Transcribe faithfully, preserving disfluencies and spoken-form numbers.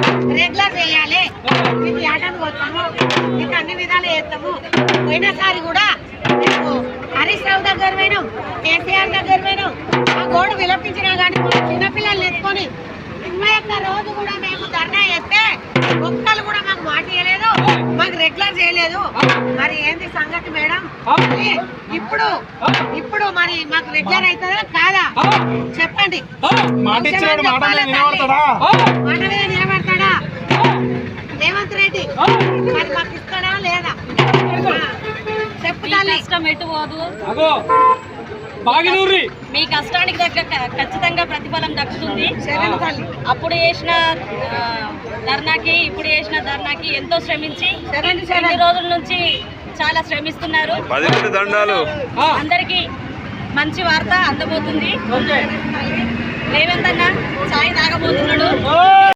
Regular చేయాలి, మీకు ఆటను పోతాము, మీకు అన్ని విధాలు చేస్తాము. పోయినసారి కూడా మేము హరీష్ రావు దగ్గర పోయినాం, కేసీఆర్ దగ్గర పోయినాం. ఆ గోడు విలపించినా కానీ చిన్నపిల్లలు ఎత్తుకొని ఇరవై ఒక్క రోజు కూడా మేము ధర్నా చేస్తే ఒక్కరు కూడా మాకు మాట ఇవ్వలేదు, మాకు రెగ్యులర్ చేయలేదు. మరి ఏంది సంగతి మేడం? ఇప్పుడు ఇప్పుడు మరి మాకు రెగ్యులర్ అవుతుందా కాదా చెప్పండి. మాట మీద నిలబడతాడా రేవంత్ రెడ్డి? మరి మాకు ఇస్తాడా లేదా చెప్పుతా. ఇష్టం ఎటు పోదు, మీ కష్టానికి దగ్గర ఖచ్చితంగా ప్రతిఫలం దక్కుతుంది. అప్పుడు చేసిన ధర్నాకి ఇప్పుడు చేసిన ధర్నాకి ఎంతో శ్రమించి రెండు రోజుల నుంచి చాలా శ్రమిస్తున్నారు. అందరికీ మంచి వార్త అందబోతుంది. రేవంత్ అన్న చాయ్ తాగబోతున్నాడు.